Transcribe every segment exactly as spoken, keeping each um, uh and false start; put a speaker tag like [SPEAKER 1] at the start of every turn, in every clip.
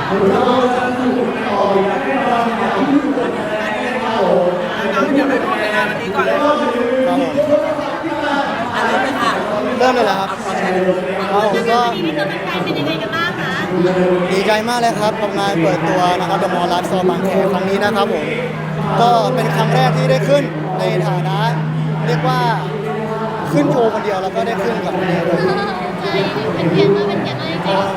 [SPEAKER 1] น้องเดี๋ยวไปพูดในงานวันนี้ก่อนเลย
[SPEAKER 2] ครับผม
[SPEAKER 1] อะไรเลยค่ะ
[SPEAKER 2] เริ่มเลยเหรอครับครับผมก็
[SPEAKER 3] วันนี้ที่ตัวเป็นแฟนเป็นยังไงกันบ้างคะ
[SPEAKER 2] ดีใจมากเลยครับกับงานเปิดตัวนะครับเดอะมอลล์ไลฟ์สโตร์บางแคครั้งนี้นะครับผมก็เป็นครั้งแรกที่ได้ขึ้นในฐานะ เรียกว่าขึ้นโชว์คนเดียวแล้วก็ได้ขึ้นกับคนเดียวด้วย
[SPEAKER 3] ใช่เป็นเกียรติมากเป็นเกียรติมากจริงๆค่ะ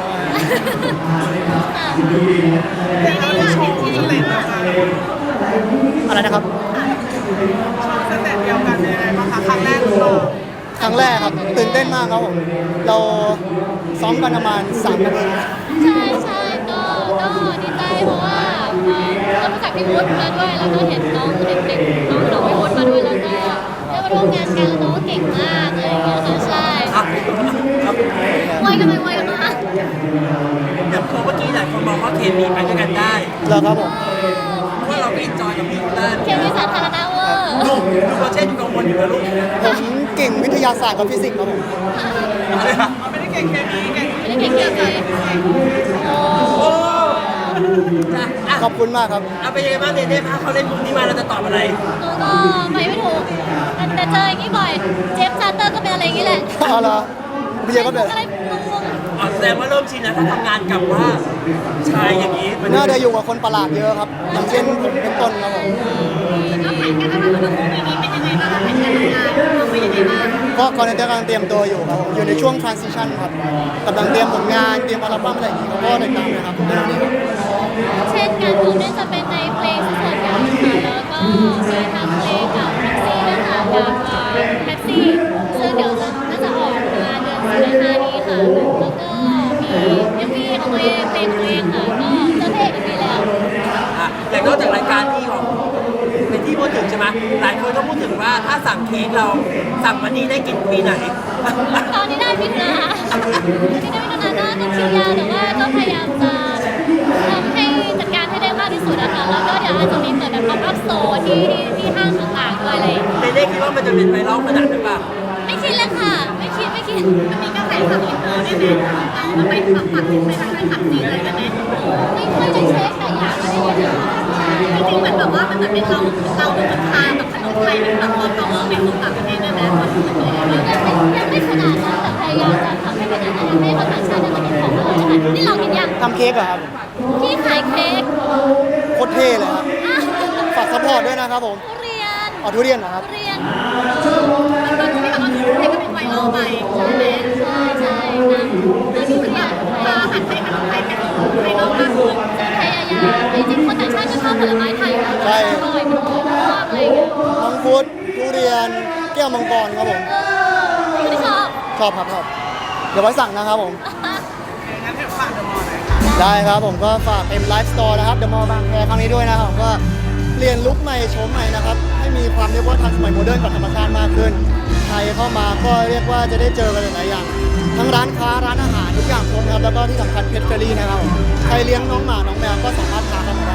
[SPEAKER 3] ไม่ได้ค่ะเป็นที่ดีมาก
[SPEAKER 2] อะไรนะครับ
[SPEAKER 1] สเต็ปเดียวกันยังไงบ้างคะครั้งแรกหรือเปล่า
[SPEAKER 2] ครั้งแรกครับตื่นเต้นมากครับผมเราซ้อมกันประมาณสามนาที
[SPEAKER 3] ใช่ใช่ก็ก็ดีใจเพราะว่าเรารู้จักพี่วุฒิมาด้วยแล้วก็เห็นน้องเด็กๆน้องน้องพี่วุฒิมาด้วยแล้วก็ได้มาร่วมงานกันแล้วน้องก็เก่งมากอะไรอย่างเงี้ยค่ะใช่
[SPEAKER 1] ครับครับ
[SPEAKER 3] ไวกันไปไวกันมา
[SPEAKER 1] อย่างเมื่อกี้หลายคนมองว่าเคมีไปด้วยกันได้
[SPEAKER 2] แล้วครับผม
[SPEAKER 1] เพราะเราไม่จอยกับพี่เต้น
[SPEAKER 3] เคมีสาธารณะเวอร์
[SPEAKER 1] ลูกดูโปรเจกต์กังวลอยู่นะลูก
[SPEAKER 2] ผมเก่งวิทยาศาสตร์กับฟิสิกส์ครับผม
[SPEAKER 1] ไม่ได้เก่งเคมีเก่ง
[SPEAKER 3] ไม่ได้เก่งเกี่ยวกับโอ้
[SPEAKER 1] โอ้จ้ะอ่ะ
[SPEAKER 2] ขอบคุณมากครับ
[SPEAKER 1] เอาไปยังไงบ้างเดนเน่ถ้าเขาเล่นมุกนี้มาเราจะตอบอะไร
[SPEAKER 3] หนูก็ไปไม่ถูกแต่เจออย่างนี้บ่อยเจฟซาเตอร์ก็เป็นอะไรอย่างนี้แหละ
[SPEAKER 2] อ๋อเหรอเบียร์ก็เป็น
[SPEAKER 3] อะไรงง
[SPEAKER 1] อ๋อแสดงว่าเริ่มชินแล้วถ้าทำงานกับว่าชายอย่างนี้มัน
[SPEAKER 2] น่าจะอยู่กับคนประหลาดเยอะครับอย่างเช่นผมเป็นต้นครับผม
[SPEAKER 3] ๆแล้วแผนการทำงานของทั้งคู่ปีนี้เป็นยังไงบ้างคะแผนการทำงานเราเป็นยังไงบ้าง
[SPEAKER 2] ก็กำลังกำลังเตรียมตัวอยู่ครับผมอยู่ในช่วง transition ครับกำลังเตรียมผลงานเตรียมอัลบั้มอะไรอย่างงี้ครับก็ติดตามนะครับในวันนี้ครับ
[SPEAKER 3] เช่นงานผมเนี่ยจะเป็นในเพลงส่วนใหญ่ค่ะแล้วก็มีทั้งเพลงกับแท็กซี่นะคะกับแท็กซี่ซึ่งเดี๋ยวจะน่าจะออกมาเดือนสิงหานี้ค่ะแล้วก็มีเอ็มวีของตัวเองเพลงตัวเองค่ะก็เจะเพลงอีกทีแล้ว
[SPEAKER 1] อ่ะอย่างนอกจากรายการที่ของเป็นที่พูดถึงใช่ไหมหลายคนก็พูดถึงว่าถ้าสั่งเค้กเราสั่งวันนี้ได้กินปีไหน
[SPEAKER 3] ตอนนี้ได้พิจารณาตอนนี้ได้พิจารณาก็คิวยาวแต่ว่าก็พยายามจะทำให้จัดการให้ได้มากที่สุดนะคะแล้วก็เดี๋ยวอาจจะมีเปิดแบบป๊อปอัพโซนที่ที่ห้างต่างๆด้วยอะไรอย่างเงี้ย
[SPEAKER 1] เดนเน่คิดว่ามันจะเป็นไวรัลขนาดนั้นป่ะ
[SPEAKER 3] ไม่คิดเลยค่ะ ไม่คิดไม่คิดมันมีกระแสข่าวอินเตอร์เนี่ยเอามันไปฝักฝักไปทางการขับจีนเลยกันเนี่ยไม่ค่อยได้เช็คแต่อยากไม่ได้ยินจริงๆเหมือนแบบว่ามันเหมือนเป็นเราเราดูมันทางกับขนมไทยเป็นแบบว่าเขาเออเป็นของต่างประเทศนะนะคนอื่นเลยยังไม่ขนาดนั้นแต่พยายามจะทำให้เป็นอะไรให้คนต่างชาติได้มากินของเราใช่ไหมนี่เรากินยัง
[SPEAKER 2] ทำเค้กเหรอครับ
[SPEAKER 3] ที่ขายเค้ก
[SPEAKER 2] โคตรเท่เลยครับ
[SPEAKER 3] อ่ะ
[SPEAKER 2] ฝากซัพพอร์ตด้วยนะครับผม
[SPEAKER 3] ทุเรียน
[SPEAKER 2] อ๋อทุเรียนเหรอครับ
[SPEAKER 3] ทุเรียนมันก็ที่แบบว่าทุเรียนก็เป็นไวรัลไปใช่ไหมใช่ใช่นะแล้วนี่เหมือนแบบพาหันไปขนมไทยเป็นไวรัลมากขึ้นพยายามจริงๆคนต่างชาติก็ชอบผลไม้ไทยอยู่แล้ว
[SPEAKER 2] ใช่
[SPEAKER 3] อร่อยมันหอมมากเลยอย่างเงี้ย
[SPEAKER 2] มังคุดทุเรียนแก้วมังกรครับผม
[SPEAKER 3] เออไม่ได้ชอบ
[SPEAKER 2] ชอบครับชอบเดี๋ยวไว้สั่งนะครับผม
[SPEAKER 1] งั้นเดี๋ยวฝากเดอะมอลล์หน่อยค่ะ
[SPEAKER 2] ได้ครับผมก็ฝากเอ็มไลฟ์สโตร์นะครับเดอะมอลล์บางแคครั้งนี้ด้วยนะครับผมก็เปลี่ยนลุคใหม่โฉมใหม่นะครับให้มีความเรียกว่าทันสมัยโมเดิร์นกับธรรมชาติมากขึ้นใครเข้ามาก็เรียกว่าจะได้เจอกันหลายๆอย่างทั้งร้านค้าร้านอาหารทุกอย่างครบนะครับแล้วก็ที่สำคัญเพชรเฟรรี่นะครับผมใครเลี้ยงน้องหมาน้องแมวก็สามารถพาเข้ามา